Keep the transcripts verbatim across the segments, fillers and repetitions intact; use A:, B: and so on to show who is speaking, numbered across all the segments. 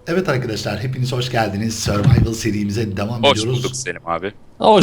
A: Evet arkadaşlar hepiniz hoş geldiniz. Survival serimize devam
B: Hoş
A: ediyoruz.
B: bulduk Selim abi.
C: Hoş.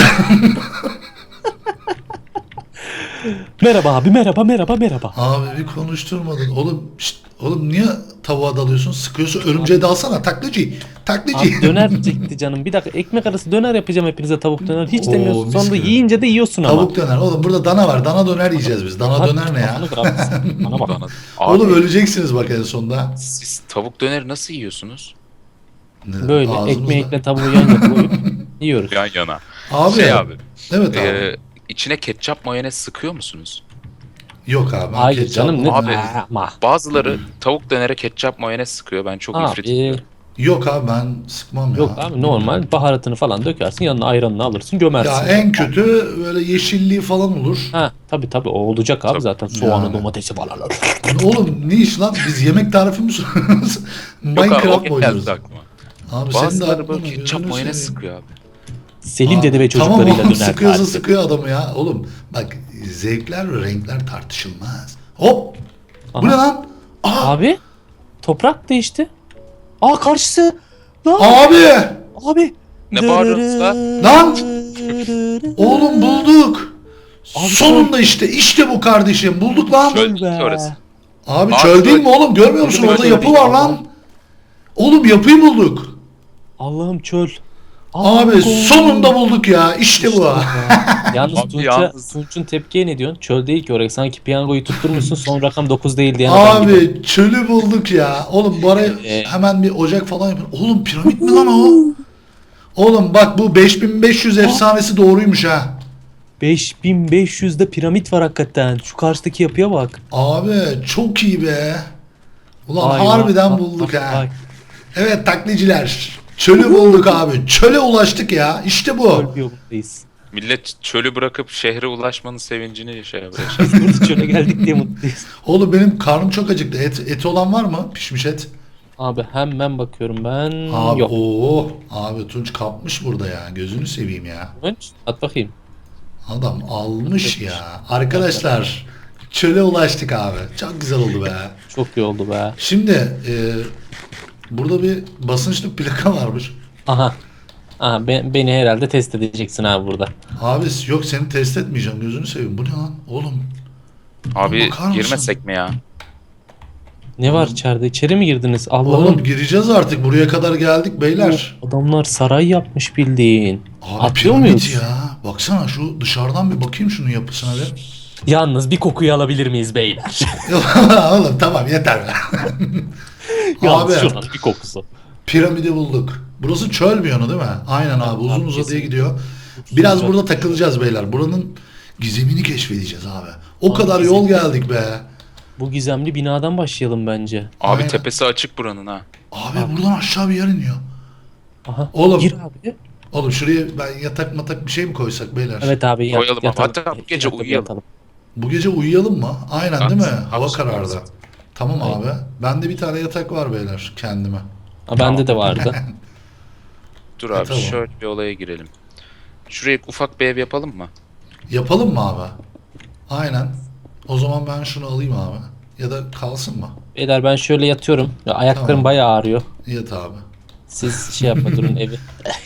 C: Merhaba abi, merhaba, merhaba, merhaba.
A: Abi bir konuşturmadın. Oğlum şşt, oğlum niye tavuğa dalıyorsun? Sıkıyorsun örümceğe dalsana taklacı. Taklacı.
C: Abi döner çekti canım. Bir dakika ekmek arası döner yapacağım hepinize tavuk döner. Hiç
A: Oo,
C: demiyorsun.
A: mis
C: Sonra
A: gibi.
C: yiyince de yiyorsun ama.
A: Tavuk döner. Oğlum burada dana var. Dana döner yiyeceğiz biz. Dana
C: Abi,
A: döner ne ya?
C: kafanı kırarsın. Bana bak.
B: Bana... Abi,
A: Oğlum öleceksiniz bak en sonunda.
B: siz tavuk döneri nasıl yiyorsunuz?
A: Ne-
C: Böyle
A: ağzımızda.
C: ekmeğiyle tavuğu yan yana koyup yiyoruz.
B: Yan yana.
A: Abi.
B: Şey abi.
A: Evet abi.
B: E, içine ketçap mayonez sıkıyor musunuz?
A: Yok abi. ben
C: Hayır
A: ketçap-
C: canım ne?
B: Abi.
C: Ama.
B: Bazıları tavuk dönere ketçap mayonez sıkıyor. Ben çok ifrit
C: Abi,
B: ediyorum.
A: Yok abi ben sıkmam ya.
C: yok abi normal baharatını falan dökersin yanına ayranını alırsın gömersin.
A: Ya en kötü böyle yeşilliği falan olur.
C: Ha tabi tabi o olacak abi
B: Tabii.
C: zaten soğanı
A: Yani.
C: domatesi falan.
A: Oğlum ne iş lan? Biz yemek tarifi mi soruyoruz?
B: Yok abi
A: Minecraft
B: o
A: mı oynuyoruz?
B: geldi aklıma.
A: Abi senin de
B: Bazıları
A: aklına
B: böyle
A: mı?
B: ketçap
A: Gözünü
B: mayonez
A: seveyim.
B: sıkıyor abi.
C: Selim
A: Aa,
C: dede ve
A: tamam
C: çocuklarıyla
A: oğlum,
C: döner
A: sıkıyorsa
C: tarifi.
A: sıkıyor adamı ya. Oğlum bak zevkler ve renkler tartışılmaz. Hop! Bu
C: Aha.
A: ne lan? Aa,
C: Abi toprak değişti. Aa karşısı. Lan
A: abi!
C: abi.
B: Ne bağırıyorsunuz lan?
A: Lan! Oğlum bulduk.
C: Abi
A: Sonunda işte işte bu kardeşim. Bulduk lan.
B: Çöl
C: be.
B: değil ki orası.
A: Abi
B: Abi
A: çöl değil
B: çöl.
A: mi oğlum? Görmüyor musun?
C: Çöl
A: Orada
C: değil,
A: yapı var
C: Allah.
A: lan. Oğlum yapıyı bulduk.
C: Allah'ım çöl.
A: Abi
C: Allah'ım.
A: sonunda bulduk ya. İşte bu.
C: Yalnız
B: Abi
C: Tunç'a,
B: yalnız-
C: Tunç'un tepkiye ne diyorsun? Çöl değil ki orası. Sanki piyangoyu tutturmuşsun son rakam dokuz değil diyen adam gibi.
A: Abi çölü bulduk ya. Oğlum bu araya
C: Ee,
A: hemen bir ocak falan yapın. Oğlum piramit mi lan o? Oğlum bak bu beş bin beş yüz efsanesi doğruymuş ha.
C: beş bin beş yüzde piramit var hakikaten. Şu karşıdaki yapıya bak.
A: Abi çok iyi be. Ulan
C: Vay
A: harbiden
C: vay,
A: bulduk
C: vay,
A: ha.
C: vay.
A: Evet taklitçiler. Çölü bulduk abi. Çöle ulaştık ya. İşte bu.
C: Çöl biyomundayız.
B: Millet çölü bırakıp şehre ulaşmanın sevincini şey yapıyor.
C: Biz burada çöle geldik diye mutluyuz.
A: Oğlum benim karnım çok acıktı. Et, eti olan var mı? Pişmiş et.
C: Abi hemen bakıyorum ben.
A: Abi
C: Yok.
A: oo. Abi Tunç kapmış burada ya. Gözünü seveyim ya.
C: Tunç, at bakayım.
A: Adam almış ya. Arkadaşlar çöle ulaştık abi. Çok güzel oldu be.
C: Çok iyi oldu be.
A: Şimdi e, burada bir basınçlı plaka varmış.
C: Aha. Aha be- beni herhalde test edeceksin abi burada.
A: Abi yok seni test etmeyeceğim. Gözünü seveyim. Bu ne lan? Oğlum.
B: Abi
A: Bakar mısın?
B: girmesek mi ya?
C: Ne var içeride? İçeri mi girdiniz?
A: Oğlum
C: Allah'ım.
A: gireceğiz artık. Buraya kadar geldik beyler.
C: Adamlar saray yapmış bildiğin.
A: Abi
C: Atlıyor
A: piramit
C: muyuz?
A: ya. Baksana şu dışarıdan bir bakayım şunun yapısına bir.
C: Yalnız bir kokuyu alabilir miyiz beyler?
A: Oğlum tamam yeter be.
C: Yalnız
A: Abi
C: şuranın bir kokusu.
A: piramidi bulduk. Burası çöl bir yanı değil mi? Aynen abi uzun
C: Abi,
A: uzadıya
C: kesinlikle.
A: gidiyor. Biraz
C: Uzun
A: burada
C: uzadı.
A: takılacağız beyler. Buranın gizemini keşfedeceğiz abi. O
C: Abi,
A: kadar yol geldik be.
C: Bu gizemli binadan başlayalım bence.
B: Abi
A: Aynen.
B: tepesi açık buranın ha.
A: Abi buradan aşağı bir yer iniyor.
C: Aha.
A: Oğlum.
C: Gir abi.
A: Oğlum şuraya ben yatak matak bir şey mi koysak beyler?
C: Evet abi yat,
B: Koyalım abi.
C: yatalım.
B: Hatta bu gece
C: Yatalım,
B: uyuyalım.
C: yatalım.
A: Bu gece uyuyalım mı? Aynen
B: At,
A: değil mi?
B: at,
A: Hava
B: at.
A: karardı. Tamam
C: Aynen.
A: abi. Bende bir tane yatak var beyler kendime.
C: Ha, bende de vardı.
B: Dur
A: E,
B: abi
A: tamam.
B: şöyle bir olaya girelim. Şuraya ufak bir ev yapalım mı?
A: Yapalım mı abi? Aynen. O zaman ben şunu alayım abi. Ya da kalsın mı?
C: Beyler ben şöyle yatıyorum. Ya, ayaklarım
A: Tamam.
C: bayağı ağrıyor.
A: Yat abi.
C: Siz şey yapma durun evi.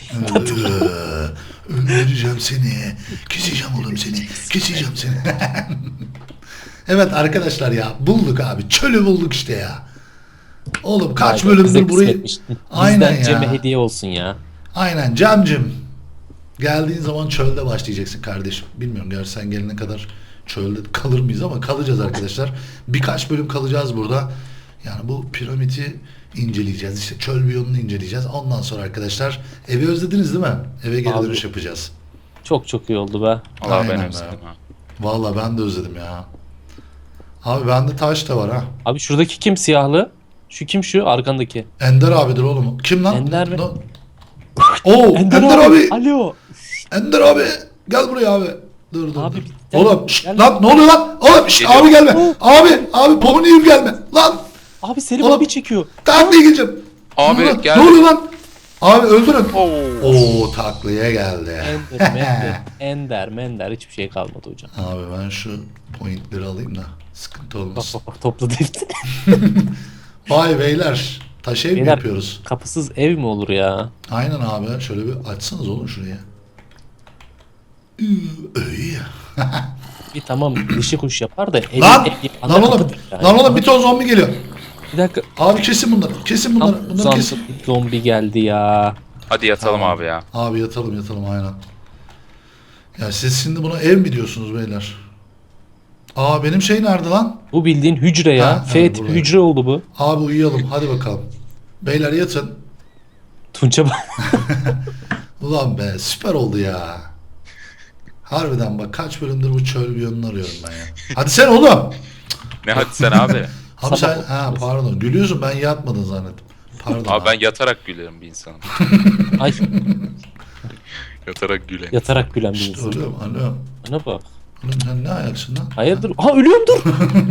A: Ee, Öldüreceğim seni. Keseceğim oğlum seni. Keseceğim seni. Evet arkadaşlar ya bulduk abi. Çölü bulduk işte ya. Oğlum kaç
C: Vay be, bize
A: bölümdür burayı...
C: kısmetmiş.
A: Aynen
C: Bizden Cem'e
A: ya.
C: hediye olsun ya.
A: Aynen Cem'cim. Geldiğin zaman çölde başlayacaksın kardeşim. Bilmiyorum gerçi sen gelene kadar çölde kalır mıyız ama kalacağız arkadaşlar. Birkaç bölüm kalacağız burada. Yani bu piramidi inceleyeceğiz. İşte çöl biyomunu inceleyeceğiz. Ondan sonra arkadaşlar evi özlediniz değil mi? Eve geri
C: Abi.
A: dönüş yapacağız.
C: Çok çok iyi oldu be.
B: Allah
A: Aynen
B: ben
A: be.
B: özledim ha.
A: Vallahi ben de özledim ya. Abi bende taş da var ha.
C: Abi şuradaki kim siyahlı? Şu kim şu arkandaki?
A: Ender abidir oğlum. Kim lan?
C: Ender mi?
A: No- Oo Ender, abi.
C: Alo.
A: Ender abi. Gel buraya abi. Dur dur
C: Abi,
A: dur.
C: bir- gel-
A: Oğlum şşt,
C: gel-
A: lan ne oluyor lan? Oğlum şşt,
B: Geliyor.
A: abi gelme.
C: Oh.
A: Abi abi Pomni'yi gelme. Lan
C: Abi Selim
A: Oğlum.
C: abi çekiyor.
A: taklaya gideceğim.
B: Abi,
A: Ne oluyor?
B: gel.
A: Ne oluyor lan? Abi öldürün.
B: Oo.
A: Oo taklaya geldi.
C: Ender, mender, ender, mender hiçbir şey kalmadı hocam.
A: Abi ben şu pointleri alayım da sıkıntı
C: Bak
A: olmasın.
C: bak bak topladı hepsini.
A: Vay beyler. Taş ev mi
C: Beyler-
A: yapıyoruz?
C: Kapısız ev mi olur ya?
A: Aynen abi. Şöyle bir açsanız oğlum şuraya. Iı, öy.
C: Bir tamam dişi kuş yapar da evi
A: Lan!
C: ev yapan
A: Lan
C: da
A: oğlum!
C: kapıdır yani.
A: Lan oğlum bir ton zombi geliyor.
C: Bir dakika.
A: Abi kesin bunları. Kesin bunları.
C: Tam
A: Bunları kesin.
C: zombi, zombi geldi ya.
B: Hadi yatalım
A: Tamam.
B: abi ya.
A: Abi yatalım yatalım aynen. Ya siz şimdi buna ev mi diyorsunuz beyler? Aa benim şey nerede lan?
C: Bu bildiğin hücre ya.
A: Ha,
C: F
A: evet,
C: tipi
A: burada.
C: hücre oldu bu.
A: Abi uyuyalım hadi bakalım. Beyler yatın.
C: Tunç'a bak.
A: Ulan be süper oldu ya. Harbiden bak kaç bölümdür bu çöl bir yönünü arıyorum ben ya. Hadi sen oğlum.
B: Ne hadi sen abi.
A: Abi
C: Sabah
A: sen ha pardon gülüyorsun ben yatmadın zannettim. Pardon.
B: Abi ben yatarak gülerim bir insanım.
C: Ay
B: Yatarak gülerim.
C: yatarak gülen bir
A: Şşt,
C: insan.
A: oğlum alo.
C: Bana bak.
A: Oğlum sen ne ayaksın lan?
C: Hayırdır? Ha ölüyorum dur.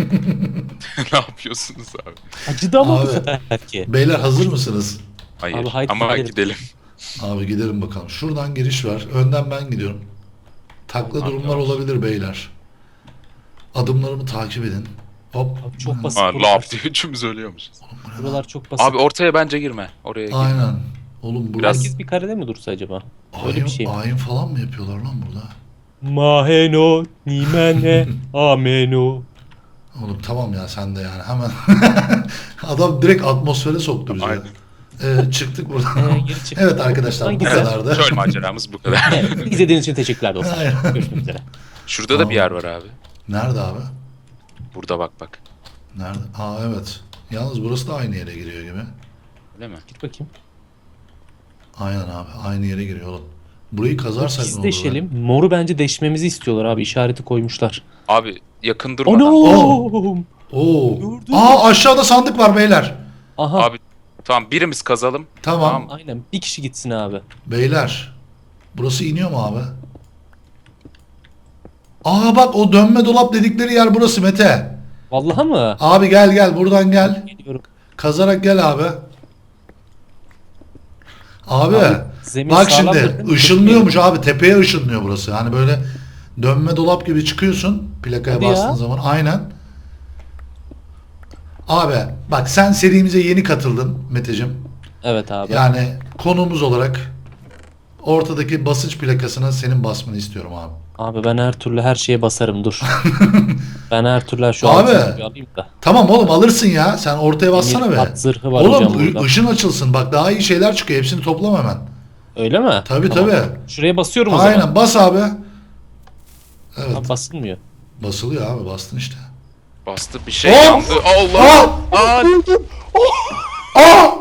B: Ne yapıyorsunuz abi?
C: Acıdı ama bu
A: Abi.
C: sefer ki.
A: Beyler hazır mısınız?
B: Hayır
C: Abi haydi
B: ama
C: gidelim.
B: gidelim.
A: Abi gidelim bakalım. Şuradan giriş var. Önden ben gidiyorum. Takla
B: Abi,
A: durumlar
B: yavaş.
A: olabilir beyler. Adımlarımı takip edin. Hop.
C: Abi çok basit.
B: Ha
C: buralar.
B: laf diye üçümüz ölüyormuşuz.
C: Buralar çok basit.
B: Abi ortaya bence girme. Oraya girme.
A: Aynen. Oğlum burası
B: Biraz-
C: Herkes bir karede mi dursa acaba? Öyle
A: ayin,
C: bir şey mi?
A: ayin falan mı yapıyorlar lan burada?
C: Maheno nimene ameno.
A: Oğlum tamam ya sen de yani hemen. Adam direkt atmosfere soktu bizi.
B: Aynen.
A: Ee, çıktık buradan.
C: Ee, geri çık.
A: Evet arkadaşlar bu
C: Buradan güzel.
A: kadardı.
B: Çöl maceramız bu kadar.
C: Evet, izlediğiniz için teşekkürler dostlar.
A: Aynen.
C: Görüşmek üzere.
B: Şurada da bir yer var abi.
A: Nerede abi?
B: Burada bak bak.
A: Nerede? Aa evet. Yalnız burası da aynı yere giriyor gibi.
B: Öyle mi?
C: Git bakayım.
A: Aynen abi. Aynı yere giriyor oğlum. Burayı kazarsak ne
C: Biz
A: olur? be?
C: deşelim. Moru bence deşmemizi istiyorlar abi. İşareti koymuşlar.
B: Abi yakın durmadan.
C: Anam.
A: Oo.
C: Gördün
A: Aa aşağıda sandık var beyler.
C: Aha.
B: Abi tamam birimiz kazalım.
A: Tamam.
B: Tamam.
C: Aynen. Bir kişi gitsin abi.
A: Beyler. Burası iniyor mu abi? Aa bak o dönme dolap dedikleri yer burası Mete.
C: Vallahi mı?
A: Abi gel gel buradan gel.
C: Geliyorum.
A: Kazarak gel abi. Abi,
C: Abi, zemin
A: bak
C: sağlamdır
A: şimdi
C: değil mi?
A: ışınlıyormuş abi tepeye ışınlıyor burası. Hani böyle dönme dolap gibi çıkıyorsun plakaya
C: Hadi
A: bastığın
C: ya.
A: zaman aynen. Abi bak sen serimize yeni katıldın Meteciğim.
C: Evet abi.
A: Yani konuğumuz olarak ortadaki basınç plakasına senin basmanı istiyorum abi.
C: Abi ben her türlü her şeye basarım dur. Ben her türlü şu
A: Abi.
C: altını bir alayım da.
A: Tamam oğlum alırsın ya. Sen ortaya bassana
C: Demir
A: be.
C: at zırhı var hocam
A: Oğlum ı-
C: burada.
A: ışın açılsın. Bak daha iyi şeyler çıkıyor. Hepsini toplam hemen.
C: Öyle mi?
A: Tabii
C: Tamam.
A: tabii.
C: Şuraya basıyorum o
A: Aynen
C: zaman.
A: bas abi. Evet.
C: Abi basılmıyor.
A: Basılıyor abi bastın işte.
B: Bastı bir şey
A: Oh!
B: yandı. Allah. Aa!
A: Aa!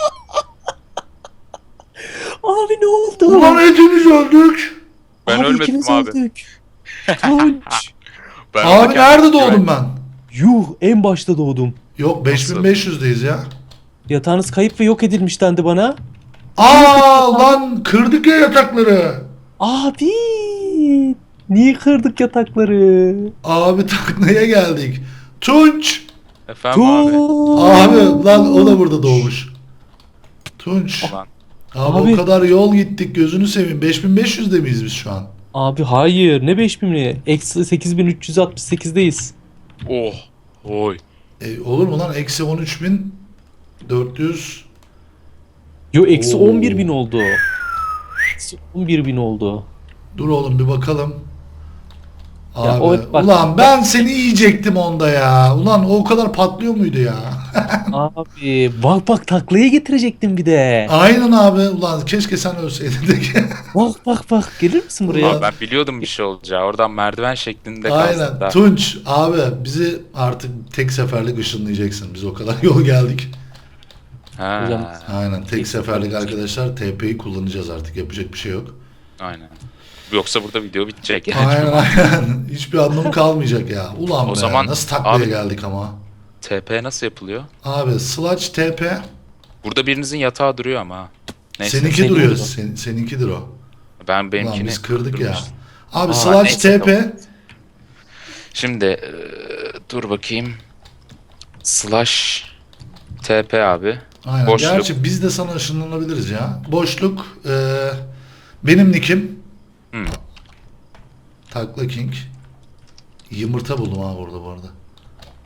C: Abi ne oldu?
A: Ulan hepimiz öldük.
B: Ben
C: Abi
B: ölmedim
C: ikimiz
B: abi.
C: öldük. Tunç.
B: Ben
A: Abi
B: orada
A: nerede
B: kendimi
A: doğdum
B: güven-
A: ben?
C: Yuh en başta doğdum.
A: Yok beş bin beş yüzdeyiz ya.
C: Yatağınız kayıp ve yok edilmiş dendi bana.
A: Aa lan kırdık ya yatakları.
C: Abi niye kırdık yatakları?
A: Abi taknaya geldik. Tunç.
B: Efendim abi.
C: Tunç.
A: Abi lan o da burada doğmuş. Tunç.
B: Ulan.
A: Abi,
C: Abi.
A: o kadar yol gittik gözünü seveyim. beş bin beş yüzde miyiz biz şu an?
C: Abi hayır ne beş bini? Eksi sekiz bin üç yüz altmış sekizdeyiz.
B: Oh. Oy.
A: E, olur mu lan? Eksi on üç bin dört yüz.
C: Yo eksi
A: Oo.
C: on bir bin oldu. Eksi on bir bin oldu.
A: Dur oğlum bir bakalım.
C: Ya
A: Abi,
C: o- bak-
A: ulan ben seni yiyecektim onda ya. Ulan o o kadar patlıyor muydu ya?
C: Abi bak bak taklaya getirecektim bir de.
A: Aynen abi. Ulan keşke sen ölseydin de.
C: Bak bak bak gelir misin buraya?
A: Ulan.
B: Abi ben biliyordum bir şey olacağı. Oradan merdiven şeklinde kalsın
A: Aynen.
B: da.
A: Tunç abi bizi artık tek seferlik ışınlayacaksın. Biz o kadar yol geldik.
B: Ha.
C: Hocam-
A: Aynen tek seferlik arkadaşlar T P'yi kullanacağız artık. Yapacak bir şey yok.
B: Aynen. Yoksa burada video bitecek. Yani.
A: Aynen aynen. Hiçbir anlamı kalmayacak ya. Ulan
B: O
A: be
B: zaman
A: nasıl taklaya
B: abi-
A: geldik ama.
B: T P nasıl yapılıyor?
A: Abi Sludge T P
B: Burada birinizin yatağı duruyor ama. ha. Neyse.
A: seninki
C: senin
A: duruyor.
C: burada.
A: Sen, seninkidir o.
B: Ben
A: Ulan
B: benimkini
A: biz kırdık ya.
B: kırdırmıştım.
A: Abi
B: Aa,
A: Sludge
B: neyse,
A: T P
B: Şimdi e, dur bakayım. Slash T P abi.
A: aynen.
B: Boşluk.
A: Gerçi biz de sana ışınlanabiliriz ya. Boşluk e, benim nickim
B: Hmm.
A: Takla King. Yumurta buldum ha burada bu arada.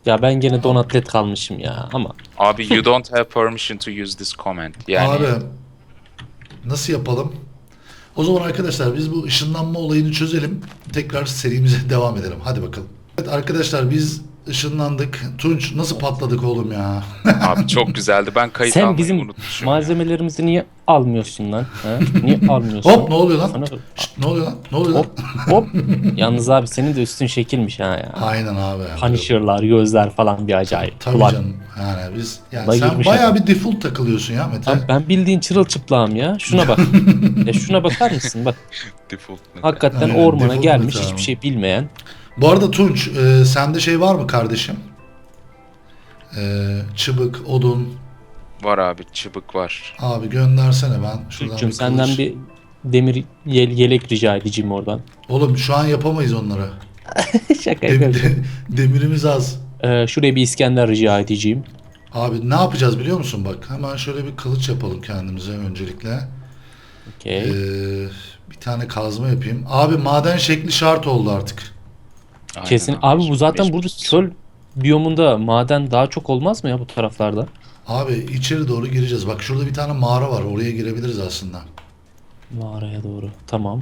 C: Ya ben gene donatlet kalmışım ya ama.
B: Abi you don't have permission to use this comment. Yani
A: Abi nasıl yapalım? O zaman arkadaşlar biz bu ışınlanma olayını çözelim. Tekrar serimize devam edelim. Hadi bakalım. Evet arkadaşlar biz ışınlandık. Tunç nasıl patladık oğlum ya?
B: abi çok güzeldi. Ben kayıt
C: Sen
B: almayı
C: bizim
B: unutmuşum. ya.
C: malzemelerimizi niye almıyorsun lan? Ha? Niye almıyorsun?
A: Hop ne oluyor lan?
C: Sana-
A: Şşt, ne oluyor lan? Ne oluyor lan?
C: Hop hop. Yalnız abi senin de üstün şekilmiş ha ya.
A: Aynen abi.
C: Punisher'lar, gözler falan bir acayip.
A: Tabii
C: Kulak.
A: canım. Yani biz yani
C: Vallahi
A: sen
C: girmiş
A: bayağı
C: adam.
A: bir default takılıyorsun ya Mete.
C: Lan ben bildiğin çırılçıplağım ya. Şuna bak. Ya şuna bakar mısın? Bak
B: Default ne?
C: hakikaten
A: Aynen,
C: ormana
A: default
C: gelmiş
A: meta
C: hiçbir
A: abi.
C: şey bilmeyen.
A: Bu arada Tunç e, sende şey var mı kardeşim? E, çıbık, odun.
B: Var abi çıbık var.
A: Abi göndersene ben. Şuradan
C: Türk'cüm
A: bir
C: senden
A: kılıç.
C: bir demir yel, yelek rica edeceğim oradan.
A: Oğlum şu an yapamayız onları.
C: Şaka
A: Dem-
C: yapıyorum.
A: de- demirimiz az.
C: Ee, şuraya bir İskender rica edeceğim.
A: Abi ne yapacağız biliyor musun bak? Hemen şöyle bir kılıç yapalım kendimize öncelikle.
C: Okey.
A: Ee, bir tane kazma yapayım. Abi maden şekli şart oldu artık.
B: Aynen
C: Kesin. Abi bu zaten burada
B: Mecburuz.
C: çöl biyomunda maden daha çok olmaz mı ya bu taraflarda?
A: Abi içeri doğru gireceğiz. Bak şurada bir tane mağara var. Oraya girebiliriz aslında.
C: Mağaraya doğru. Tamam.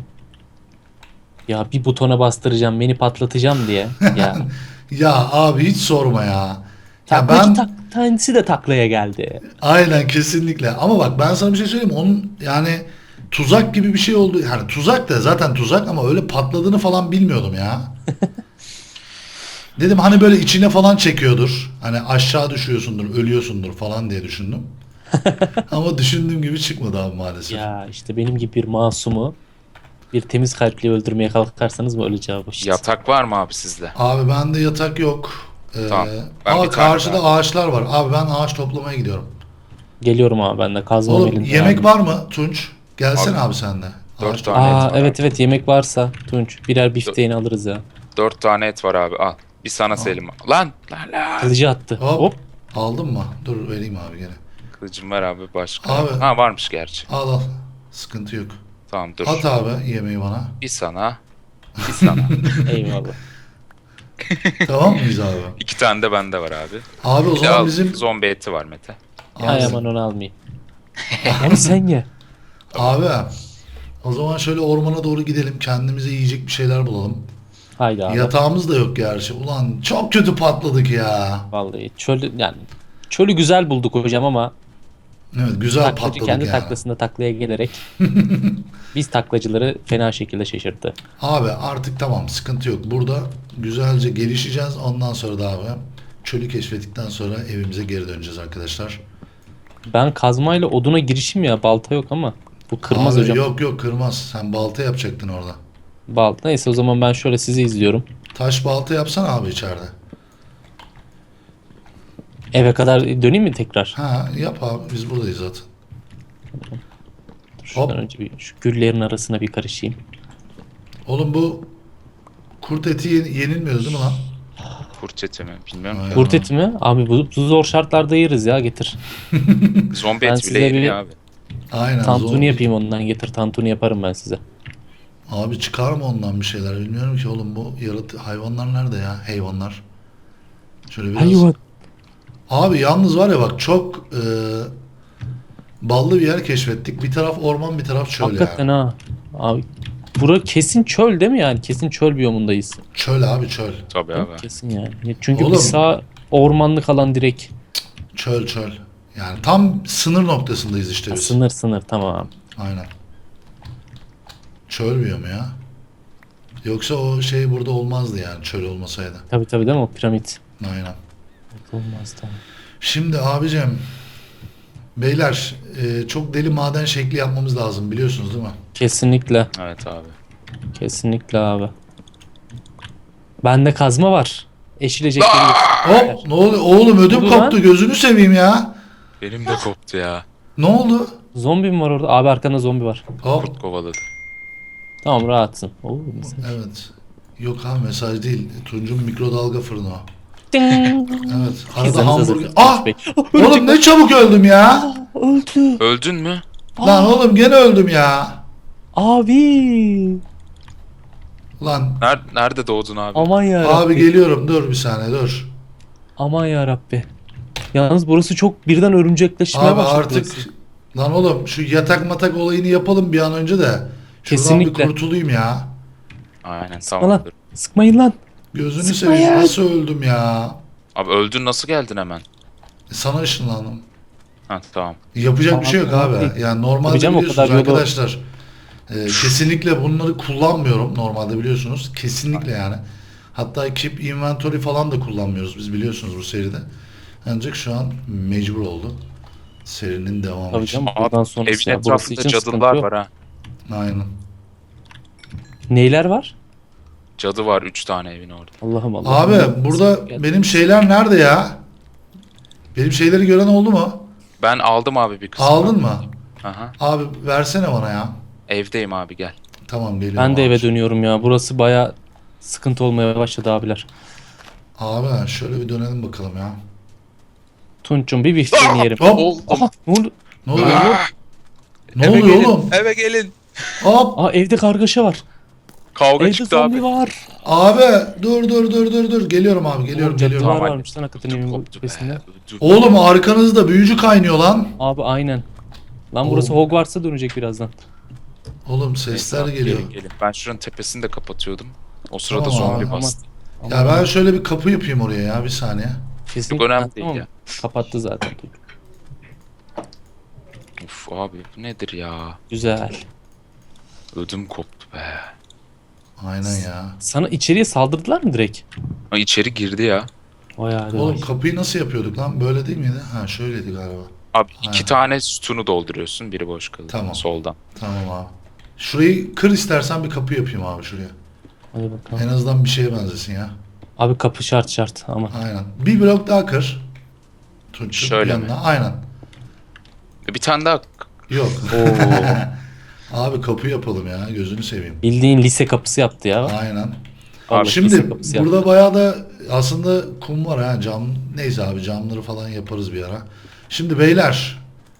C: Ya bir butona bastıracağım beni patlatacağım diye. Ya.
A: Ya abi hiç sorma ya. Ya
C: Taklacı
A: ben
C: tak, tanesi de taklaya geldi.
A: aynen kesinlikle. Ama bak ben sana bir şey söyleyeyim mi? Onun yani tuzak gibi bir şey oldu. Yani tuzak da zaten tuzak ama öyle patladığını falan bilmiyordum ya. Dedim hani böyle içine falan çekiyordur. Hani aşağı düşüyorsundur, ölüyorsundur falan diye düşündüm. Ama düşündüğüm gibi çıkmadı abi maalesef.
C: Ya işte benim gibi bir masumu bir temiz kalple öldürmeye kalkarsanız mı öleceği bu işte.
B: Yatak var mı abi sizde?
A: Abi bende yatak yok. Ee,
B: Tamam, ben
A: ama
B: bir tane
A: karşıda
B: daha-
A: ağaçlar var. Abi ben ağaç toplamaya gidiyorum.
C: Geliyorum abi ben de kazmam
A: Oğlum
C: elimde.
A: yemek
C: abi.
A: var mı Tunç? Gelsene
B: Abi,
A: abi sen de.
B: dört
A: Ağaç
B: tane.
A: topla-
C: Aa
B: et var
C: evet
B: abi.
C: evet yemek varsa Tunç birer bifteğini alırız ya.
B: Dört tane et var abi al. Bir sana Selim. Lan lan lan.
C: Kılıcı attı.
A: Hop.
C: Hop.
A: Aldın mı? Dur vereyim abi gene.
B: Kılıcım var abi başka.
A: Abi.
B: Ha varmış gerçi.
A: Al al. Sıkıntı yok.
B: Tamam dur.
A: At abi yemeği bana.
B: Bir sana. Bir sana.
C: Eyvallah.
A: Tamam mıyız abi?
B: İki tane de bende var abi.
A: Abi o
B: Bir de
A: zaman
B: al,
A: bizim...
B: zombi eti var Mete.
C: Hay aman onu almayayım. Onu sen ye.
A: Abi o zaman şöyle ormana doğru gidelim. Kendimize yiyecek bir şeyler bulalım.
C: Haydi abi.
A: Yatağımız da yok gerçi. Ulan çok kötü patladık ya.
C: Vallahi çölü yani çölü güzel bulduk hocam ama
A: Evet güzel
C: taklacı
A: patladık
C: kendi
A: yani.
C: taklasında taklaya gelerek biz taklacıları fena şekilde şaşırttı.
A: Abi artık tamam sıkıntı yok. Burada güzelce gelişeceğiz. Ondan sonra da abi çölü keşfettikten sonra evimize geri döneceğiz arkadaşlar.
C: Ben kazmayla oduna girişim ya balta yok ama bu kırmaz
A: Abi
C: hocam.
A: yok yok kırmaz. Sen balta yapacaktın orada.
C: Balta neyse o zaman ben şöyle sizi izliyorum.
A: Taş balta yapsana abi içeride.
C: Eve kadar döneyim mi tekrar?
A: Ha yap abi biz buradayız zaten.
C: Dur, şuradan
A: Hop.
C: önce bir şu güllerin arasına bir karışayım.
A: Oğlum bu kurt eti ye- yenilmiyor değil mi lan?
B: Kurt eti mi? Bilmiyorum.
A: Ay.
C: Kurt eti mi? Abi bu, bu zor şartlarda yeriz ya getir.
B: Zombi
C: Ben
B: eti
C: size
B: bile
C: bir-
B: yeniyor abi.
A: Aynen.
C: Tantuni
A: zor.
C: yapayım ondan getir tantuni yaparım ben size.
A: Abi çıkar mı ondan bir şeyler bilmiyorum ki oğlum bu yaratı hayvanlar nerede ya hayvanlar. Şöyle biraz.
C: Hayvan.
A: Abi yalnız var ya bak çok e, ballı bir yer keşfettik. Bir taraf orman bir taraf çöl
C: Hakikaten
A: ya.
C: ha. Abi bura kesin çöl değil mi yani? Kesin çöl biyomundayız.
A: Çöl abi çöl.
B: Tabii abi.
C: Kesin yani. Çünkü
A: Oğlum.
C: bir sağ ormanlık alan direkt.
A: Çöl çöl. Yani tam sınır noktasındayız işte
C: Ha,
A: biz.
C: sınır sınır tamam.
A: Aynen. Çöl biyomu ya. Yoksa o şey burada olmazdı yani çöl olmasaydı.
C: Tabii tabii değil mi o piramit?
A: Aynen.
C: Olmaz tamam.
A: Şimdi abicim beyler e, çok deli maden şekli yapmamız lazım biliyorsunuz değil mi?
C: Kesinlikle.
B: Evet abi.
C: Kesinlikle abi. Bende kazma var. Eşilecek yeri yok.
A: Hop ne oluyor oğlum ödüm
C: Oldu
A: koptu
C: lan.
A: gözünü seveyim ya.
B: Benim de koptu ya.
A: Ne oldu?
C: Zombi mi var orada? Abi arkanda zombi var.
A: Hop.
B: Kurt kovaladı.
C: Tamam rahatsın. Oo, mesaj.
A: Evet. Yok abi mesaj değil. Tunç'un mikrodalga fırını o.
C: Ding.
A: Evet. Arada
C: Pizzanız hazır.
A: hamburger. Ah!
C: Bey.
A: Oğlum ne çabuk öldüm ya.
C: Öldü.
B: Öldün mü?
A: Lan oğlum gene öldüm ya.
C: Abi.
A: Lan
B: Nerede, nerede doğdun abi?
C: Aman ya.
A: abi geliyorum dur bir saniye dur.
C: Aman ya Rabbi. Yalnız burası çok birden örümcekleşmeye
A: Abi
C: başladı.
A: artık
C: burası.
A: lan oğlum şu yatak matak olayını yapalım bir an önce de. Şuradan
C: Kesinlikle.
A: bir kurtulayım ya.
B: Aynen
C: Sıkma lan.
B: tamamdır.
C: Sıkmayın lan.
A: Gözünü
C: Sıkma
A: seveyim
C: ya.
A: nasıl öldüm ya.
B: Abi öldün, nasıl geldin hemen?
A: E, Sana ışınlandım.
B: Ha tamam.
A: Yapacak bir şey yok
C: Tamam,
A: abi.
C: değil.
A: Yani normalde
C: Tabii canım, o
A: biliyorsunuz
C: kadar yolu-
A: arkadaşlar. e, kesinlikle bunları kullanmıyorum normalde biliyorsunuz. Kesinlikle yani. Hatta keep inventory falan da kullanmıyoruz biz biliyorsunuz bu seride. Ancak şu an mecbur oldu. Serinin devamı
C: Tabii
A: için.
C: canım buradan
B: Abi
C: sonrası
B: evin
C: ya. Burası
B: etrafında
C: için sıkıntı
B: cadılar
C: yok.
B: var ha.
A: Aynen.
C: Neyler var?
B: Cadı var üç tane evin orada.
C: Allah'ım Allah'ım.
A: Abi burada
C: Gel.
A: benim şeyler nerede ya? Benim şeyleri gören oldu mu?
B: Ben aldım abi bir kısmını.
A: Aldın mı?
B: Aha.
A: Abi versene bana ya.
B: Evdeyim abi, gel.
A: Tamam geliyorum.
C: Ben de
A: abi.
C: eve dönüyorum ya. Burası baya sıkıntı olmaya başladı abiler.
A: Abi şöyle bir dönelim bakalım ya.
C: Tunç'um bir bifteğini yerim.
A: Hop.
B: Oldum.
C: Aha ne oldu?
A: Ne oluyor?
B: Ah!
A: Ne
B: Eve
A: oluyor
B: gelin,
A: oğlum?
B: Eve gelin.
A: Hop.
C: Aa evde kargaşa var.
B: Kavga
C: Evde
B: çıktı
C: zombi
B: abi.
C: var.
A: Abi dur dur dur dur dur. Geliyorum abi geliyorum
C: Oo,
A: geliyorum.
C: cadılar
B: Tamam,
C: varmış lan hakikaten
B: Ödüm
C: evin
B: koptu be.
C: tepesinde.
B: ödüm.
A: Oğlum arkanızda büyücü kaynıyor lan.
C: Abi aynen. Lan burası
A: Oo.
C: Hogwarts'a dönecek birazdan.
A: Oğlum sesler
B: Neyse abi,
A: geliyor.
B: gelin, gelin. Ben şuranın tepesini de kapatıyordum. O sırada
A: Tamam abi,
B: zombi
C: aman.
B: bastı.
C: Aman
A: Ya ben
C: aman.
A: şöyle bir kapı yapayım oraya ya bir saniye.
C: Kesin...
B: Çok önemli
C: Ha,
B: değil
C: tamam.
B: ya.
C: Kapattı zaten.
B: Uf abi bu nedir ya?
C: Güzel.
B: Ödüm koptu be.
A: Aynen ya.
C: Sana içeriye saldırdılar mı direkt?
B: Ha, içeri girdi ya.
C: Vay hadi
A: Oğlum
C: vay.
A: kapıyı nasıl yapıyorduk lan? Böyle değil miydi? Ha şöyleydi galiba.
B: Abi iki
A: Aynen.
B: tane sütunu dolduruyorsun. Biri boş kalıyor.
A: Tamam.
B: Soldan.
A: Tamam abi. Şurayı kır istersen bir kapı yapayım abi şuraya.
C: Hadi bakalım.
A: En azından bir şeye benzesin ya.
C: Abi kapı şart şart ama.
A: Aynen. Bir blok daha kır. Tunç'un
B: Şöyle
A: yanına. Aynen.
B: Bir tane daha.
A: Yok.
C: Oo.
A: Abi kapı yapalım ya. Gözünü seveyim.
C: Bildiğin lise kapısı yaptı ya.
A: Aynen.
C: Vallahi
A: Şimdi
C: lise kapısı
A: burada
C: yaptı.
A: bayağı da aslında kum var ha cam. Neyse abi camları falan yaparız bir ara. Şimdi beyler.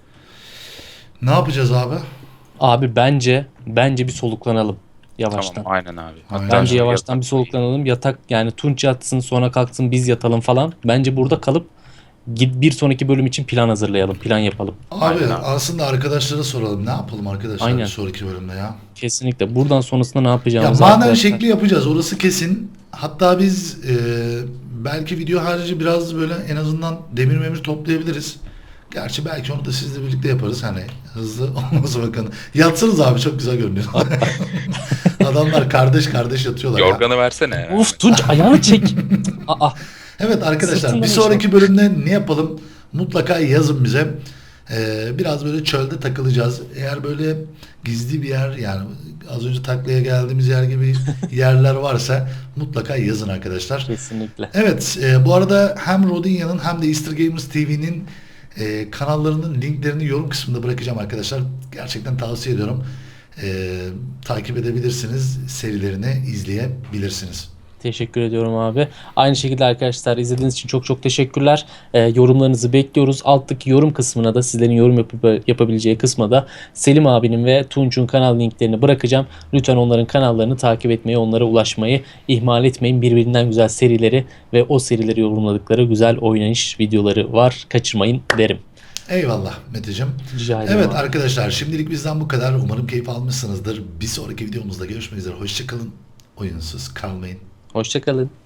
A: Ne yapacağız abi?
C: Abi bence bence bir soluklanalım yavaştan.
B: Tamam aynen abi.
A: Aynen.
C: Bence
B: şimdi
C: yavaştan
B: yatak-
C: bir soluklanalım. Yatak yani Tunç yatsın sonra kalksın biz yatalım falan. Bence burada kalıp git bir sonraki bölüm için plan hazırlayalım. Plan yapalım.
A: Abi
B: Aynen abi.
A: aslında arkadaşlara soralım. Ne yapalım arkadaşlar
C: Aynen.
A: bir sonraki bölümde ya?
C: Kesinlikle. Buradan sonrasında ne
A: Ya
C: yapacağımızı
A: maden
C: arkadaşlar-
A: şekli yapacağız. Orası kesin. Hatta biz e, belki video harici biraz böyle en azından demir memir toplayabiliriz. Gerçi belki onu da sizle birlikte yaparız. Hani hızlı olmasa bakın. Yatsınız abi çok güzel görünüyor. Adamlar kardeş kardeş yatıyorlar ya.
B: Yorganı versene.
C: Of Tunç ayağını çek. Aa,
A: Evet arkadaşlar
C: Sırtından
A: bir sonraki bölümde ne yapalım mutlaka yazın bize. Ee, biraz böyle çölde takılacağız. Eğer böyle gizli bir yer yani az önce taklaya geldiğimiz yer gibi yerler varsa mutlaka yazın arkadaşlar.
C: kesinlikle.
A: Evet e, bu arada hem Rodinya'nın hem de Easter Gamers T V'nin e, kanallarının linklerini yorum kısmında bırakacağım arkadaşlar. Gerçekten tavsiye ediyorum. E, takip edebilirsiniz. Serilerini izleyebilirsiniz.
C: Teşekkür ediyorum abi. Aynı şekilde arkadaşlar izlediğiniz için çok çok teşekkürler. Ee, yorumlarınızı bekliyoruz. Alttaki yorum kısmına da sizlerin yorum yapıp, yapabileceği kısma da Selim abinin ve Tunç'un kanal linklerini bırakacağım. Lütfen onların kanallarını takip etmeyi, onlara ulaşmayı ihmal etmeyin. Birbirinden güzel serileri ve o serileri yorumladıkları güzel oynanış videoları var. Kaçırmayın derim.
A: Eyvallah Meteciğim.
C: Rica ederim
A: Evet
C: abi.
A: arkadaşlar şimdilik bizden bu kadar. Umarım keyif almışsınızdır. Bir sonraki videomuzda görüşmek üzere. Hoşçakalın. Oyunsuz kalmayın.
C: Hoşçakalın.